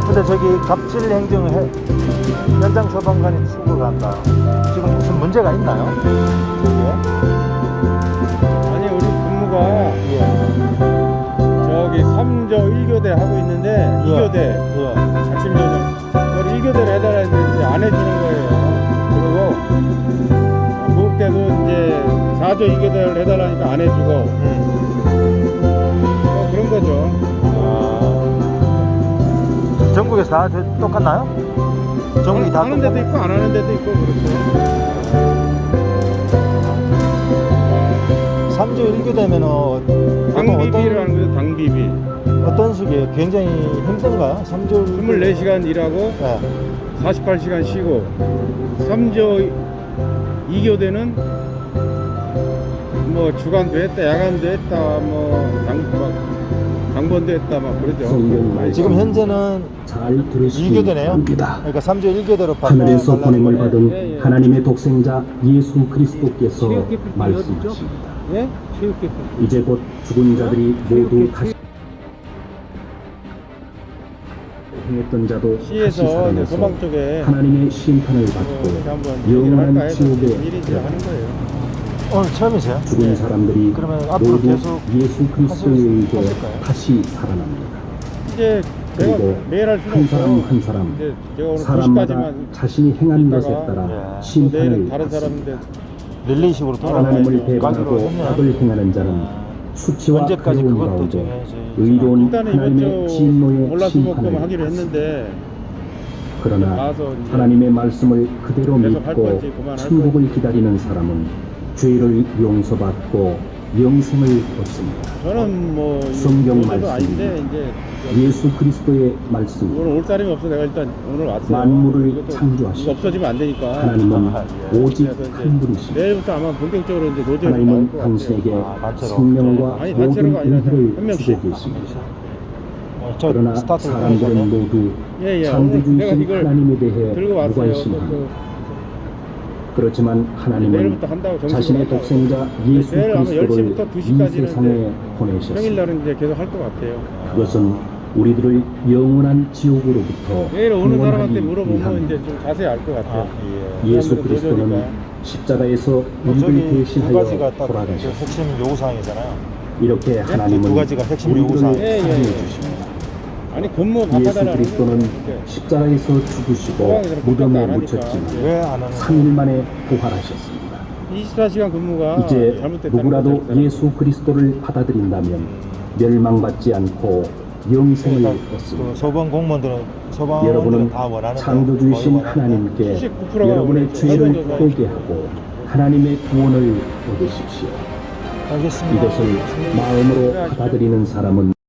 근데 저기 갑질 행정 현장 소방관이 출국을 한다. 지금 무슨 문제가 있나요? 저기에? 아니 우리 근무가 예. 저기 3조 1교대 하고 있는데 2교대 예. 아침 저녁 그걸 1교대를 해달라 했는데 이제 안 해주는 거예요. 그리고 무급 때도 이제 4조 2교대를 해달라니까 안 해주고 그런 거죠. 전국에서 다 똑같나요? 전국이 다 하는 데도 있고 안 하는 데도 있고 그렇죠. 3조 1교 되면은 당비비를 하는 거죠. 당비비. 어떤 식이에요? 굉장히 힘든가요? 3조 24시간 일하고 네. 48시간 쉬고 3조 2교대는 뭐 주간도 했다 야간도 했다 뭐 당번도 했다 막 그러죠. 지금 현재는 잘 들으시기 2교대네요. 바랍니다. 그러니까 3조 1교대로 하늘에서 보냄을 받은 예, 예. 하나님의 독생자 예수 그리스도께서 체육기쁨이 말씀하십니다. 예? 체육기쁨. 이제 곧 죽은 자들이 모두 다시 행했던 자도 다시 시에서 이제 살아나서 소방 쪽에 하나님의 심판을 이렇게 받고 한번 얘기를 할까 영원한 해서 지옥에 일인지 들어가 하는 거예요. 오늘 처음이세요? 죽은 사람들이 그러면 앞으로 모두 계속 예수 그리스도에 의해 하실까요? 다시 살아납니다. 이제 제가 그리고 매일 할 수는 한 없어요. 사람 한 사람 이제 제가 오늘 사람마다 2시까지만 자신이 행한 있다가 것에 따라 예. 내일은 심판을 다른 받습니다. 사람인데 릴레이식으로 하나님을 돌아가는 배반하고 악을 행하는 자는 수치와 언제까지 괴로운 그것도 가운데 정해야지. 의로운 일단은 하나님의 이번 주 진노의 올라수목금 심판을 하기로 받습니다. 했는데 그러나 가서 이제 하나님의 말씀을 그대로 계속 할 믿고 건지 그만할 천국을 기다리는 사람은 죄를 용서받고 영생을 얻습니다. 저는 뭐 성경 모두도 말씀입니다. 아닌데 이제 예수 그리스도의 말씀 오늘 올 사람이 없어 내가 일단 오늘 왔어요. 만물을 이것도 창조하시고 이거 없어지면 안 되니까. 하나님은 오직 그래서 이제 한 분이십니다. 내일부터 아마 본격적으로 이제 노조에 나올 하나님은 것 같아요. 당신에게 단체로. 생명과 아니, 모든 단체로가 아니라 은혜를 한 명씩. 주고 계십니다. 저 그러나 스타트를 사람들은 하셨네. 모두 예, 예. 오늘 내가 창조주이신 이걸 하나님에 대해 들고 왔어요. 무관심합니다. 그렇지만 하나님은 내일부터 한다고 정식으로 자신의 한다고. 독생자 예수 내일 아마 그리스도를 10시부터 이 2시까지는 세상에 보내셨습니다. 평일날은 이제 계속 할 것 같아요. 그것은 우리들을 영원한 지옥으로부터 내일 오는 사람한테 구원하기 물어보면 위함입니다. 이제 좀 자세히 알 것 같아요. 예수 사람들은 그리스도는 노조니까. 십자가에서 저기 우리를 두 대신하여 가지가 딱 돌아가셨습니다. 핵심 요구사항이잖아요. 이렇게 하나님은 두 가지가 핵심 우리들을 요구사항. 예, 예, 사랑해 예. 주십니다. 아니 근무 예수 바꿔달라는 그리스도는 거예요. 십자가에서 죽으시고 소방이 저렇게 무덤에 깜빡 안 묻혔지만 하니까. 왜 안 하는 3일 만에 부활하셨습니다. 24시간 근무가 이제 잘못됐다는 누구라도 거죠, 그 사람. 예수 그리스도를 받아들인다면 멸망받지 않고 영생을 그러니까 얻습니다. 그 소방 공무원들은 소방원들은 여러분은 다 원하는 창조주이신 거예요. 하나님께 79%가 여러분의 오늘 죄를 설문조사에 회개하고 하나님의 구원을 얻으십시오. 알겠습니다. 이것을 마음으로 받아들이는 사람은